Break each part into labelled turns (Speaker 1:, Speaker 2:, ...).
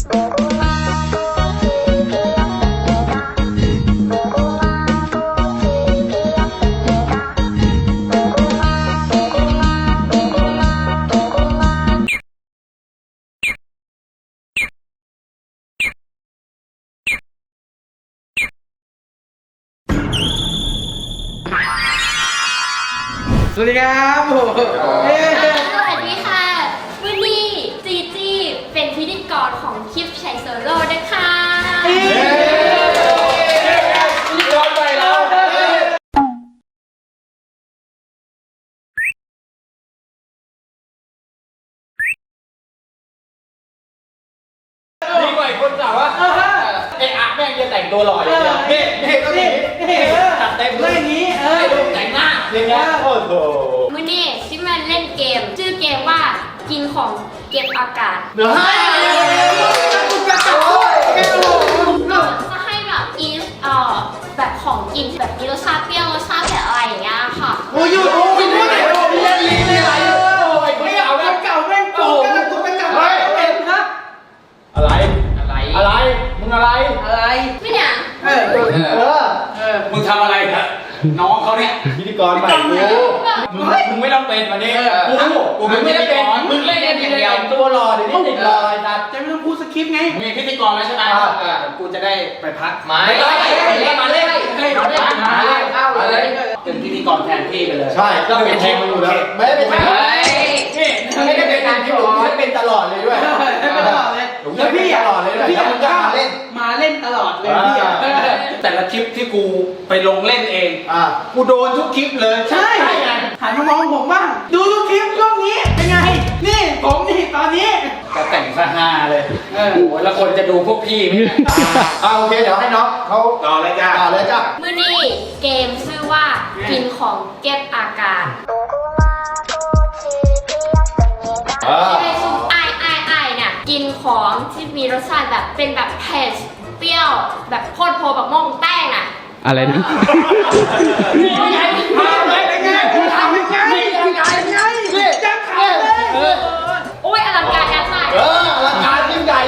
Speaker 1: สวัสดีครับส
Speaker 2: วัสดีค่ะวันนี้จีจี้เป็นพิธีกรของคลิปไชโซโล่นะคะ
Speaker 1: พิธีกรใหม่แล้วนี่ก่อนคนสาวว่าไอ้อะแม่งจะแต่งตัวหล่ออย่างเดียวนี่ก็นี่ตัดเต็มเลยอย่างนี้แต่งหน้าอย่างเงี้ยโอ้โห
Speaker 2: วันนี้ชิมาเล่นเกมชื่อเกมว่ากินของเก็บอากาศ
Speaker 1: จะให้
Speaker 2: แบบแบบของกินแบบมีรสชาติเปรี้ยวรสชาติแบบอะไรอย่างเงี้ยค่ะ
Speaker 1: โอ้ยอยู่กินด้วยไหนเล่นลิ้นอะไรโอ้ยไม่เอาแล้วเก่าแม่งโกงไม่เก่าเต็มครับอะไรมึงอะไร
Speaker 2: ไม่เนี่ย
Speaker 3: มึงทำอะไรครับน้องเขาเนี่ย
Speaker 1: พิธีกรใหม่มึงไม่ต้องเป็นวันนี้กูไม่ได้เป็นมึงเล่นอย่างเดียวตัวรอเดี๋ยวนี้ติดรอไอ้สัตว์จะไม่ต้องพูดสคริปต์ไง
Speaker 3: มึงเป็นพิธีกรแล้วใช่ไหมกูจะได้ไปพัก
Speaker 1: มาเล่น
Speaker 3: เป็นพิธีกรแทนพี่ไปเลย
Speaker 1: ใช่ก็เป็นแทนมาอยู่แล้วไม่ได้เป็นแทนไม่ได้เป็นงานที่ผมไม่เป็นตลอดเลยด้วยตลอดเลยแล้วพี่ตลอดเลยด้วยแล้วมึงก็มาเล่นตลอดเลยพี่
Speaker 3: แต่ละคลิปที่กูไปลงเล่นเองกูโดนทุกคลิปเลย
Speaker 1: ใช่หันมามองผมบ้างดูทุกคลิปช่วงนี้เป็นไงนี่ผมนี่ตอนนี้
Speaker 3: ก็แต่งซะฮาเลยแล้วคนจะดูพวกพี่ไหม
Speaker 1: โอเคเดี๋ยวให้น้องเขาต่อเลยจ้า
Speaker 2: มื้อนี้เกมชื่อว่ากินของเก็บอากาศที่เป็นซุปไอเนี่ยกินของที่มีรสชาติแบบเป็นแบบเผ็ดเปรี้ยวแบบโคตรโพแบบม่วงแป้งอ่ะ
Speaker 4: อะไรนะ
Speaker 2: โอ้ยอลังการงานสร้าง
Speaker 1: อลังการยิ่งใหญ่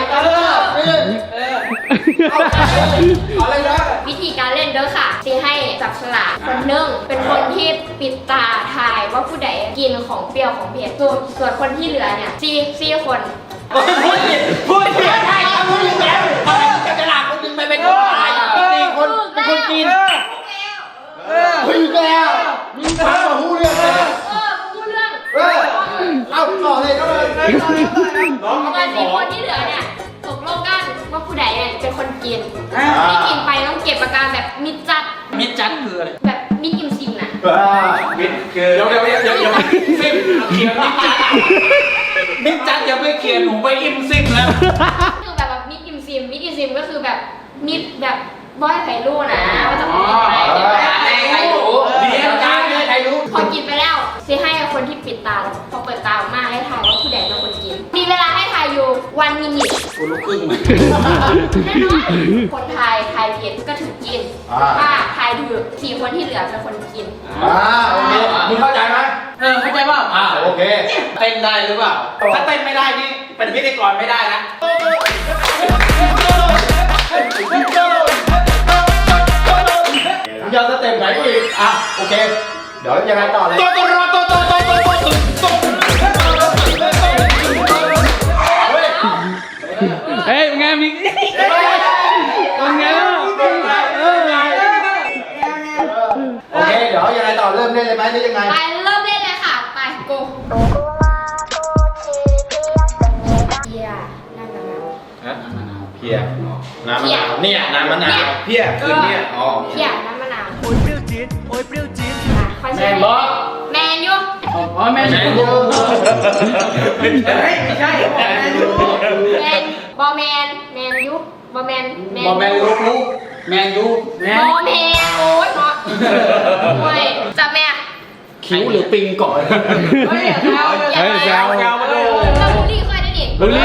Speaker 1: อะไรนะ
Speaker 2: วิธีการเล่นเด้อค่ะที่ให้จับฉลากคนหนึ่งเป็นคนที่ปิดตาทายว่าผู้ใดกินของเปรี้ยวของเผ็ดส่วนคนที่เหลือเนี่ยสี่คน
Speaker 1: พูดใช่พูดแล้วจับฉลากคนนึงไปเป็นคนตาย4 คนกินพูดแล้วมีทางมาพูดเรื่องเลย
Speaker 2: พูดเรื่อง
Speaker 1: เอาต่อเลย
Speaker 2: น้อง4 คนที่เหลือเนี่ยตกลงกันว่าผู้ใดเนี่ยเป็นคนกินที่กินไปต้องเก็บอาการแบบมิดจัด
Speaker 3: คืออะไร
Speaker 2: แบบมิดอิ่มซิมนะ
Speaker 3: มิดคือเดี๋ยวซิมเคลียร์มิดจัดอย่าไปเคลียร์หนูไปอิ่มซิมแล้ว
Speaker 2: คือแบบมิดอิ่มซิมก็คือแบบมิดแบบบ่อยไผ่รู้นะว่าจะเป็นยังไง
Speaker 3: ใครรู้เดี๋ยวการเลยใครรู้
Speaker 2: พอกินไปแล้วซีให้คนที่ปิดตาพอเปิดตาออกมาให้ทายว่าผู้ใดเป็นคนกินมีเวลาให้ทายอยู่1 มินิ
Speaker 3: กูรู้ครึ่ง
Speaker 2: แน่นอนคนทายผิดก็ถึงกินถ้าทายถูก4 คนที่เหลือเป็นคนกิน
Speaker 1: โอเคมึงเข้าใจไหม
Speaker 3: เข้าใจป่ะ
Speaker 1: โอเค
Speaker 3: เต้นได้หรือเปล่าถ้าเต้นไม่ได้นี่เป็นพิธีกรไม่ได้นะ
Speaker 1: ยอดสเต็ปไหนกูอีกโอเคเดี๋ยวยังไงต่อเลย
Speaker 4: เฮ้ยไงมีเป็นไง
Speaker 1: โอเคเดี๋ยวยังไงต่อเริ่มเล่นเลยไหมหรือยังไง
Speaker 2: ไปเริ่มเล่นเลยค่ะไปโกเพียน้ำมะนาว
Speaker 1: เพียน้ำมะนาวเนี่ยน้ำมะนาวเพียคือเนี่ย
Speaker 2: เพียน้ำมะนาว
Speaker 4: โอ้ยเปรี้ยวจี๊ด
Speaker 2: แมนบอแมนยู
Speaker 3: แมนยู
Speaker 1: ไม่ใช่แมนยู
Speaker 2: แมนบอแมนยูบอแมน
Speaker 3: ลูกแมนยู
Speaker 2: บอแมนโอ๊ยเนาะโอ้ยจับแม่
Speaker 3: คิ้วหรือปิงก่อน
Speaker 2: เฮ้ยแซว
Speaker 3: มาเลย
Speaker 2: เราบุรีค่อยได้ดิ
Speaker 4: บุรี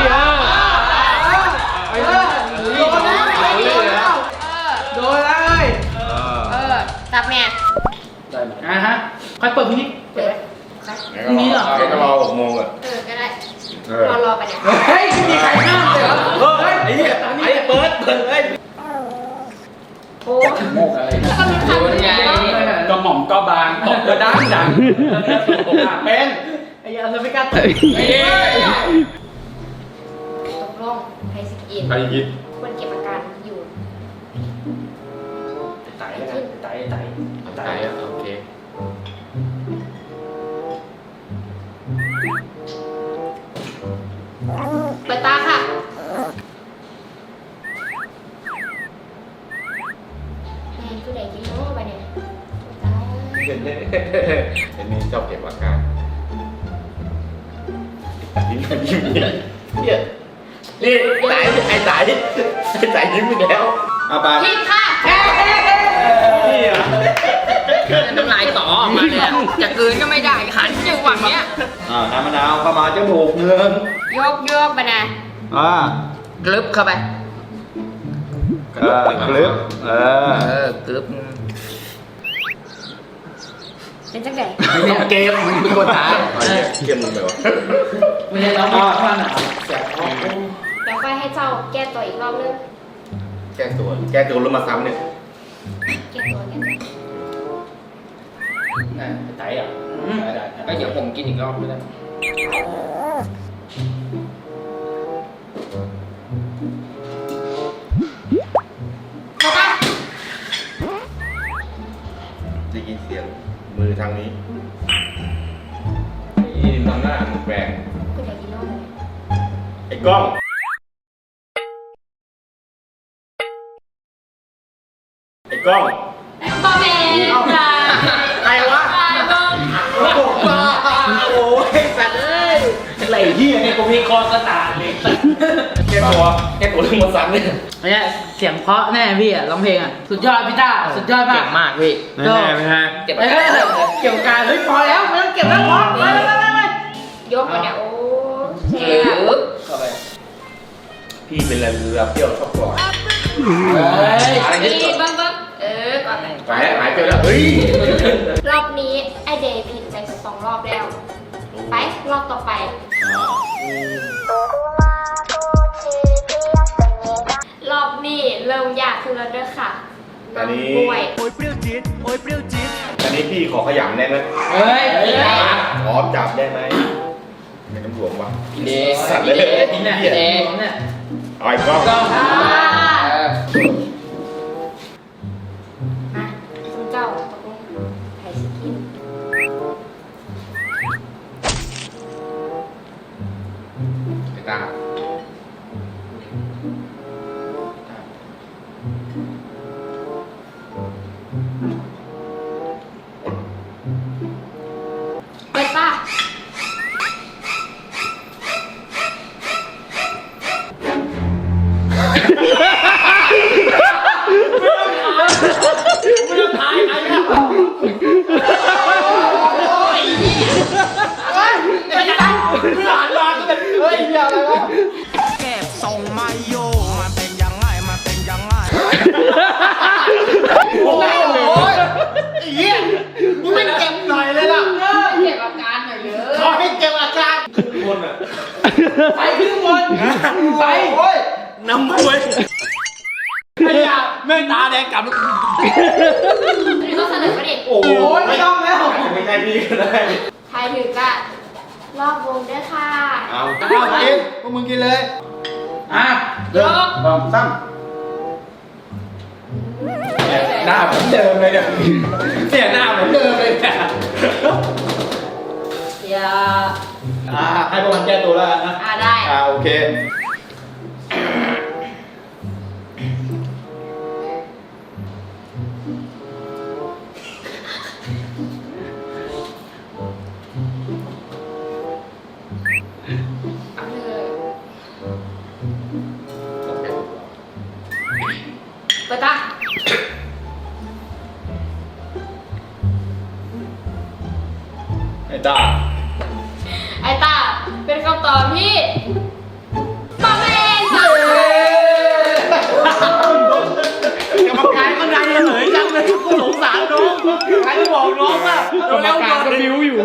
Speaker 1: โดนเลย
Speaker 2: จับแม่
Speaker 3: ใครเปิดพินิจ
Speaker 2: เปิด
Speaker 1: พรุ่งนี้เหรอก็รอ6 โมงอ่ะ
Speaker 2: ก็ได้รอไปเนี่ย
Speaker 1: เฮ้ยไม่มีใครห้ามเลยเหรอเฮ้ย
Speaker 2: โอ้
Speaker 3: โมกอะไร
Speaker 2: แล้วก็มีคำไง
Speaker 3: ก็หม่อมก็บางตบก็ดังดังเป็นไอ้ยาเราไม่กล้าตบ
Speaker 2: ตกลงใครสกิน
Speaker 1: ใครยิน
Speaker 2: ควรเก็บอาการอยู่
Speaker 3: ไต่แล้วกันไต่ไต่
Speaker 1: ตายอ่ะโอเค
Speaker 2: เปิดตาค่ะแม่ผู้ใดกินโน้ไปเนี่ยตาย
Speaker 1: เห็นนี่ชอบเก็บอาการยิ้มยิ้มเนี่ยนี่ตายไอ้ตายยิ้มไปแล้วเอาไป
Speaker 2: ผิดค่ะ
Speaker 1: นี่อ่ะ
Speaker 5: น้ำลายต่อออกมาเลยอะจะกลืนก็ไม่ได้ขันอยู่ฝั่งเนี้ย
Speaker 1: น้ำมะนาวประมาณจมูกเนื้อย
Speaker 2: กไปนะ
Speaker 5: กลึบเข้าไป
Speaker 1: กลึบ
Speaker 5: กลึบ
Speaker 2: เป็นจังไง
Speaker 1: เกมมึงเป็นคนท้าเกมมึงแบบ
Speaker 3: ไม่ใช่เราไม่ว่าหนาวแสบคอ
Speaker 2: เดี๋ยวค่อยให้เจ้าแก้ตัวอีกรอบนึง
Speaker 1: แก้ตัวแล้วมาซ้ำเนี่ย
Speaker 2: แก้ตัว
Speaker 3: น่ะไต่อ่ะได้
Speaker 5: ก็เดี๋ยวผมกินอีกรอบก็ได้
Speaker 2: เข้าปะ
Speaker 1: ได้ยินเสียงมือทางนี้นี่มองหน้ามึงแปลง
Speaker 2: ผู้ใดกินโน้ไปเนี่ย
Speaker 1: ไอ้กล้องไอ้กล้อง
Speaker 2: บอเมนจ้า
Speaker 1: ใครวะ
Speaker 2: ตายเบิ้ง
Speaker 1: โอ้ยสัตว์เอ้ย
Speaker 3: ไหลที่เนี่ยกูมีคอกระตาเลย
Speaker 1: แก้ตัวเรื่องมาซ้ำเนี่ย
Speaker 6: เนี่ยเสียงเพราะแน่พี่อ่ะร้องเพลงอ่ะสุดยอดพี่ต้าสุดยอดมาก
Speaker 5: เก่งมากพี่
Speaker 6: ก็
Speaker 5: เก็บ
Speaker 6: เอ้ยเกี่ยวกับการเฮ้ยพอแล้วไม่ต้องเก็บแล้วพอไป
Speaker 2: ยกไปเนี่ยโอ้เช
Speaker 5: ก
Speaker 2: ฟ
Speaker 5: ลึบเข้าไป
Speaker 1: พี่เป็นอะไรเรือเปรี้ยวชอบกอด
Speaker 5: อะไร
Speaker 2: นี่
Speaker 5: ที่
Speaker 2: เบิ้งก่อนไป
Speaker 1: หายไปแล้วเฮ้ย
Speaker 2: รอบนี้ไอเดย์ผิดไป2 รอบแล้ว ไปรอบต่อไป รอบนี้เริ่มยากขึ้นแล้วด้วยค่ะ
Speaker 1: ตอนนี้
Speaker 2: ป่วย
Speaker 1: ตอนนี้พี่ขอขยำได้ไหม
Speaker 6: เฮ้ย
Speaker 1: ขอจับได้ไหมไม่ต้องหลวงวะ
Speaker 5: พี่เด
Speaker 1: สัตว์เลย
Speaker 5: พี่เนี่ยพี่เด
Speaker 6: เนี่ย
Speaker 1: เอาไอ้กล้อง
Speaker 2: อ่ามาคุณเจ้าตกลงใครสิกิน
Speaker 1: ไอ้ตา
Speaker 2: เปิดป่ะ
Speaker 7: เก็บทรงไม่อยู่มันเป็นยังไง มันเป็นยังไง
Speaker 1: โอ้ยไอ้เหี้ยมึงไม่เก็บหน่อยเลยล่ะ
Speaker 6: เก็บอาการหน่อยเลย
Speaker 1: ขอให้เก็บอาการคนอ่ะ
Speaker 6: ไปขึ้นบนไป
Speaker 1: โอ้ยน้ำมวย
Speaker 3: ไอ้ยาแม่งตาแดงกลับ
Speaker 2: อันนี้ต้องเสนอมาดิ
Speaker 1: โอ้
Speaker 6: โอ้ยไม่ต้องแล้ว
Speaker 1: ไม่ใช่พี่ก็ได้
Speaker 2: ใครถือก็รอบวงด้วยค่ะ
Speaker 1: เอากินพวกมึงกินเลย
Speaker 3: อ่ะ
Speaker 2: ยก
Speaker 1: ลองซ้ำหน้าเหมือนเดิมเลยเนี่ยเนี่ยหน้าเหมือนเดิมเลยเนี่ย
Speaker 2: อย่า
Speaker 1: ให้พวกมันแก้ตัวแล้วกันนะ
Speaker 2: ได้
Speaker 1: โอเค
Speaker 2: เอาเลยเปิดตา
Speaker 1: ไอ้ตา
Speaker 2: ไอตาเป็นคำตอบที่ปาเมนค่ะ
Speaker 1: กรรมการก็ดังเลยจังเลยกูสงสารน้องใครจะบอกน้องว่าก
Speaker 4: รรมการก็บิ้วอยู่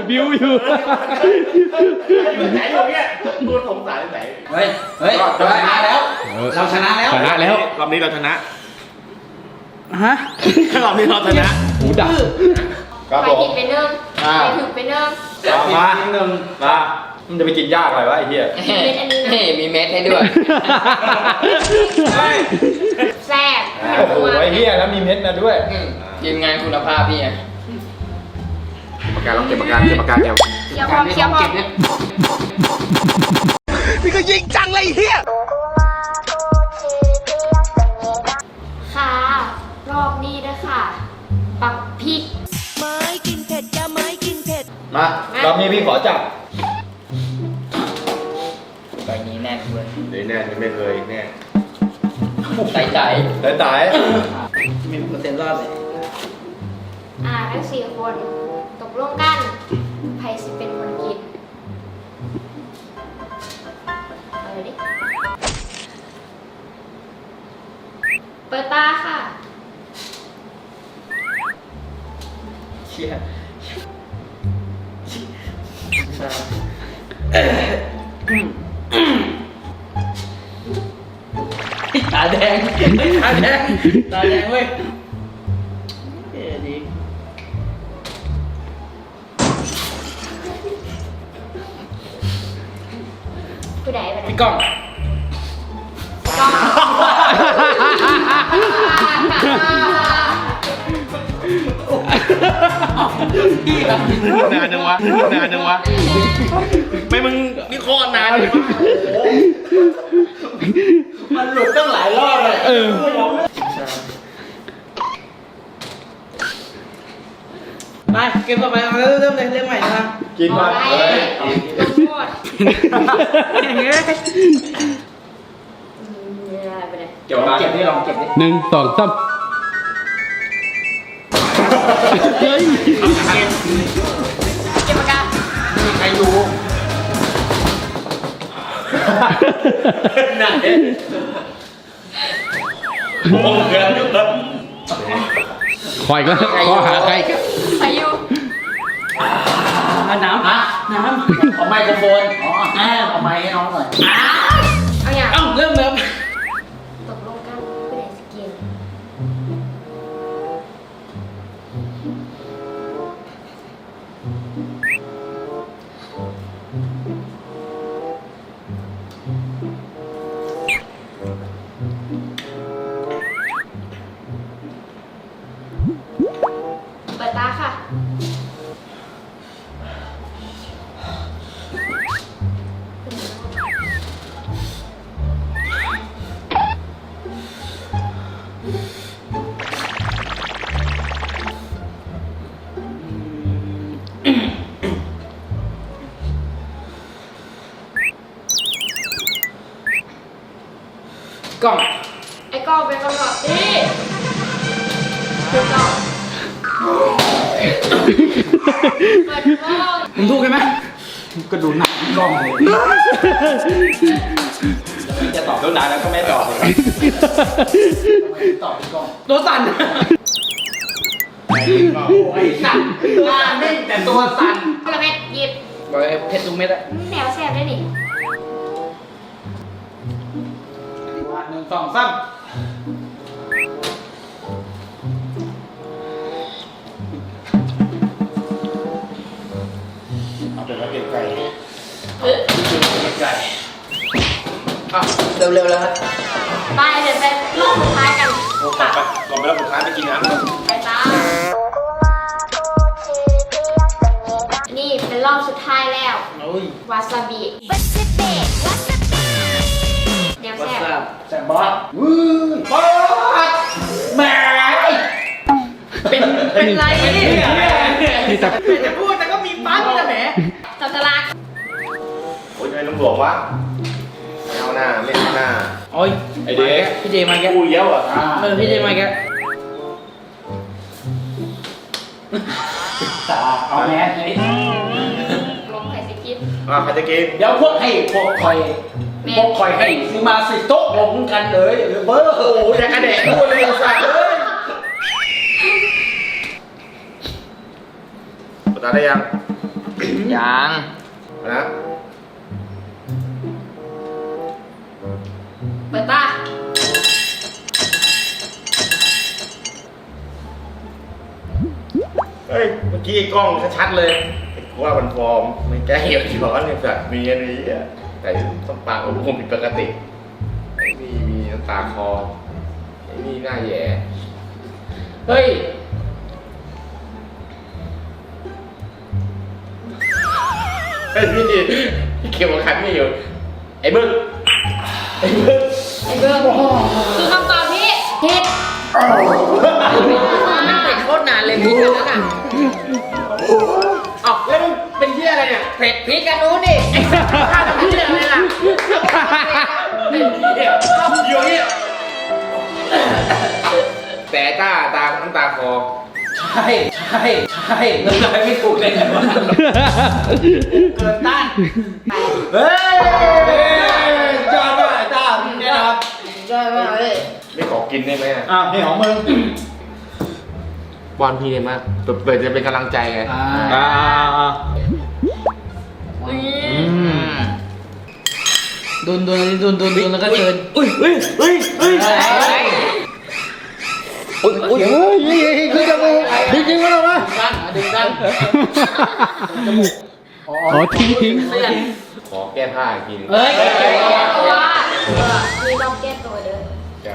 Speaker 1: ไหนอยู่เนี่ยกูสงสารไหน
Speaker 3: เฮ้ยเราชนะแล้ว
Speaker 4: ชนะแล้ว
Speaker 1: รรอบนี้เราชนะ
Speaker 6: ฮะ
Speaker 1: รอบนี้เราชนะ
Speaker 4: หูดับ
Speaker 1: ครับ
Speaker 2: ใคร
Speaker 1: ผม
Speaker 2: ผิดไปเนิ่งใครถูกไปเนิ่ง
Speaker 1: มามันจะไปกินยากอะไรวะไอ้เหี้ย
Speaker 2: เป็นอันนี้นะ
Speaker 5: นี่มีเม็ดให้ด้วย
Speaker 2: แซ่บ
Speaker 1: โอ้โหไอ้เหี้ยแล้วมีเม็ดมาด้วย
Speaker 5: ทีมงานคุณภาพพี่ไง
Speaker 1: ปากกาลองเก็บปากกาเก็บปากกาเก็บ
Speaker 2: เคี้ยวพร้อมเคี้ยวพร้อม
Speaker 7: นี่ก็ยิงจังเลยเฮีย
Speaker 2: ค่ะ รอบนี้ด้วยค่ะ ปักพริก
Speaker 7: ไม้กินเผ็ดจะไม้กินเผ็ด
Speaker 1: มารอบนี้พี่ขอจับ
Speaker 5: ใบนี้แน่นเว้ย
Speaker 1: เดี๋ยวแน่ไม่เคยแน่
Speaker 5: ใส่ใจ
Speaker 1: แต่ตาย
Speaker 6: มีเปอร์เซ็นต์รอดเลย
Speaker 2: ทั้ง4 คนตกลงกันใครสิเป็นคนกินเอาเลยดิ เปิดตาค่ะ
Speaker 6: เชี่ยตาแดงตาแดงตาแดงเว้ยดี
Speaker 2: ผู้ใดไปไหน
Speaker 6: พี่ก้อง
Speaker 2: ก้อง
Speaker 1: นานจังวะนานจังวะไม่มึงนี่โคตรนานเลย
Speaker 6: มันหลุดตั้งหลายรอบเลย ไปเกมต่อไปเอาเริ่มเลยเริ่มใหม่นะครับ
Speaker 1: กินมา
Speaker 2: อะไร
Speaker 1: เลย
Speaker 2: ลงโทษ
Speaker 6: อย่างเงี้ย
Speaker 2: ไปไหน
Speaker 1: เกี่ยวกับ
Speaker 6: เก็บนี่ลองเก็บนี่
Speaker 4: 1 2 3เฮ้ย
Speaker 2: เก็บปากกา
Speaker 1: ใครรู้ไหนโอ้โหเกินยุบเลย
Speaker 4: คอยก็ขอหาใครกัน
Speaker 2: ใครอยู่
Speaker 6: น้ำน้ำเอาไมโครโฟนอ๋อเอาไมค์ให้น้องหน่อย
Speaker 2: เอาอย่าง
Speaker 6: เอ้าเริ่ม
Speaker 2: ตกลงกันผู้ใดสิกินเปิดตาค่ะ
Speaker 6: กล้อง
Speaker 2: ไอ้กล้องเป็นคำตอบที่ถูกต้องเปิดกล้อง
Speaker 6: ผมถูกใช่ไหม
Speaker 1: ก็ดูหนักกล้องเลยจะตอบแล้วนานแล้วก็ไม่ตอบเลย
Speaker 6: ตอบกล้องตัวสั่นไอ้สั่นตัวนิ่งแต่ตัวสั่น
Speaker 2: กระเม็ดหยิบ
Speaker 6: บอกเลยเพชรทุกเม็ดอะ
Speaker 2: แนวแซ่บได้นี่
Speaker 6: 1 2 3
Speaker 1: เอาเป็นว่าเก็บไก่
Speaker 6: ไก่
Speaker 5: เร็วๆแล้วครับ
Speaker 2: ไปเดี๋ยวไปรอบสุดท้ายกัน
Speaker 1: ก่อนไปแล้วสุดท้ายไปกินน้ำก่อน
Speaker 2: ไปตามนี่เป็นรอบสุดท้ายแล้ว
Speaker 6: โอ้ยว
Speaker 2: าซาบิแนว
Speaker 6: วั
Speaker 2: แซ่
Speaker 6: ส
Speaker 2: บ
Speaker 6: ดุแซมบอสบอสแหมเป็นไรเนี่ย
Speaker 4: นี่แต่
Speaker 6: จะพูดแต่ก็มีปั๊บแต่แหม
Speaker 2: จับฉลาก
Speaker 1: โอ้ยทำไมลุงหลวงวะไม่เอาหน้าไม่เอาหน้า
Speaker 6: โอ้ย
Speaker 1: ไอเด็ก
Speaker 6: พี่เจมาแก
Speaker 1: กูเยอะอ่ะ
Speaker 6: พี่เจมาแกตาเอาแมสเลย
Speaker 2: ลงไข่สิกิน
Speaker 1: ใครจะกิน
Speaker 6: เดี๋ยวพวกคอยให้ซื้อมาสิโต๊ะลงกันเลยหรือเบอร์
Speaker 1: โอ้โหจะกระเดะพูดเลยสัตว์เลยปตาได้ยัง
Speaker 5: ยัง
Speaker 1: นะ
Speaker 2: เปิดตา
Speaker 1: เฮ้ยเมื่อกี้กล้องชัดๆเลยว่ามันฟอร์มไม่แก้เหี่ยวย้อนเนี่ยสัตว์มีอันนี้อะแต่ต้องปากผมคงผิดปกติไอ้นี่มีน้ำตาคอไอ้นี่หน้าแย่
Speaker 6: เฮ้ย
Speaker 1: ไอ้นี่เขียวขันไม่อยู่ไอ้บึ้งไอ้บึ้ง
Speaker 2: ไอ้เบิ้มคือคำตอบที่ผิด
Speaker 5: มันเผ็ดโคตรนานเลยพริกอันนั้นอ่ะ
Speaker 1: อ้าวแล้วมึงเป็นเหี้ยอะไรเนี่ย
Speaker 5: เผ็ดพริกกันนู้นดิไอ้ข้าทำพริกอะไรล่ะ
Speaker 1: ไอ้เหี้ยอยู่เนี่ยแต่ตาน้ำตาคอ
Speaker 6: ใช่น้ำลายไม่ถูกเลยนะเกินต้าน
Speaker 1: เฮ้ยจอดมาไอ้ตาเนี่ยนะครับไม่ขอกินได้ไหมอะ
Speaker 3: อ้าวนี่ของมึง
Speaker 1: บอลพี่เนี่ยมากเปิดจะเป็นกำลังใจไง
Speaker 6: โดนแล้วก็เชิญ
Speaker 1: อุ้ยคือจะมือจริงๆมั้ยวะ
Speaker 6: ดึงดัน
Speaker 4: อ๋อทิ้ง
Speaker 1: ขอแก้ผ้ากิน
Speaker 6: เฮ้ย
Speaker 2: แก้ตัวมีต้องแก้ตัวเด้อ
Speaker 1: จ้ะ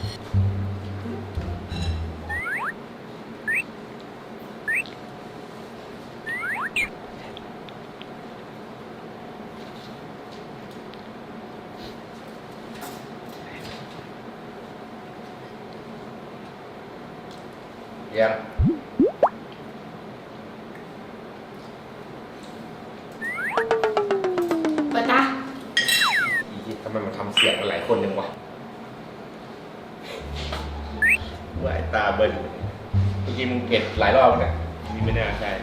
Speaker 1: ยัง
Speaker 2: เปิดตา
Speaker 1: อีทำไมมันทำเสียงกันหลายคนจังวะว่าไอ้ตาเบิ้ลเมื่อกี้มึงเผ็ดหลายรอบแล้วเนี่ยนี่ไม่น่าใช่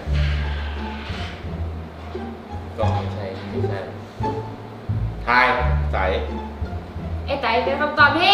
Speaker 1: ก็ไม่ใช่ทายใส
Speaker 2: ไอ้ไตเป็นคำตอบที่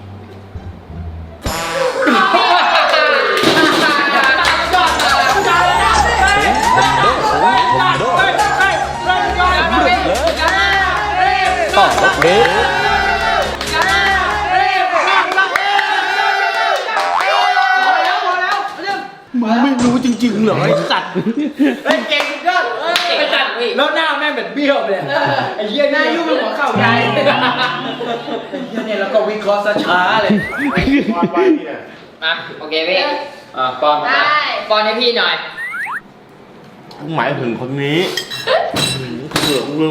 Speaker 6: ไม่รู้จริงๆเหรอไอ้สัตว์
Speaker 1: เฮ้ยเก่งสุดยอด
Speaker 6: ไปจัดแล้วหน้าแม่งแบบเบี้ยวไปเลยไอ้เหี้ยหน้ายุ่งเป็นหัวเข่าใหญ่ไอ้เหี้ยเนี่ยแล้วก็วิเคราะห์ช้าเลย
Speaker 1: วาดไปนี่น่ะ
Speaker 5: อ่ะโอเคพี่
Speaker 6: ปอน
Speaker 2: ได้
Speaker 5: ป้อนให้พี่หน่อย
Speaker 1: หมายถึงคนนี้เสือกมึง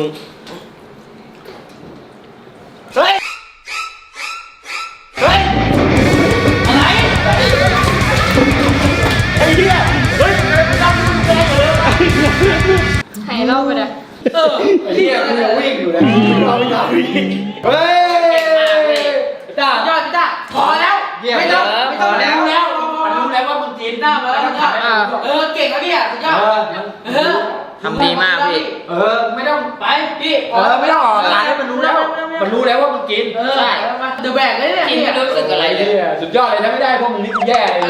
Speaker 1: เฮ้ยอะไรไอ้เหี้ยเฮ้ยจำมึงแกเลย
Speaker 2: ให้เล่าไปเลย
Speaker 6: ไอ้เหี้ยกูวิ่งอยู่นะเราไม่ได้วิ่ง
Speaker 1: เฮ้ย
Speaker 6: จ้ายอดจ้าพอแล้วไม่ต้องรู้แล้วมันรู้แล้วว่ามึงจีนหน้ามาแล้วเก่งแล้วเนี่ยสุดยอด
Speaker 5: ทำดีมากพี่
Speaker 6: ไม่ต้องไปพี่
Speaker 1: ไม่ต้องออกร้านให้มันรู้แล้ว
Speaker 6: มันรู้แล้วว่ามึงกินใช่เดือแบกเลยเนี่ย
Speaker 5: กินไม่รู้สึกอะไรเลย
Speaker 6: สุดยอดเลยถ้าไม่ได้พวกมึงนี่กูแย่เลย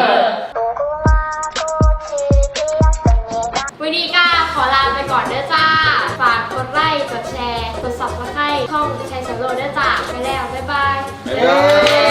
Speaker 2: วันนี้ก็ขอลาไปก่อนเด้อจ้า ฝากกดไลค์ กดแชร์ กด subscribe ช่องชัยสโลเด้อจ้า ไปแล้ว บ๊ายบาย
Speaker 1: บ๊ายบาย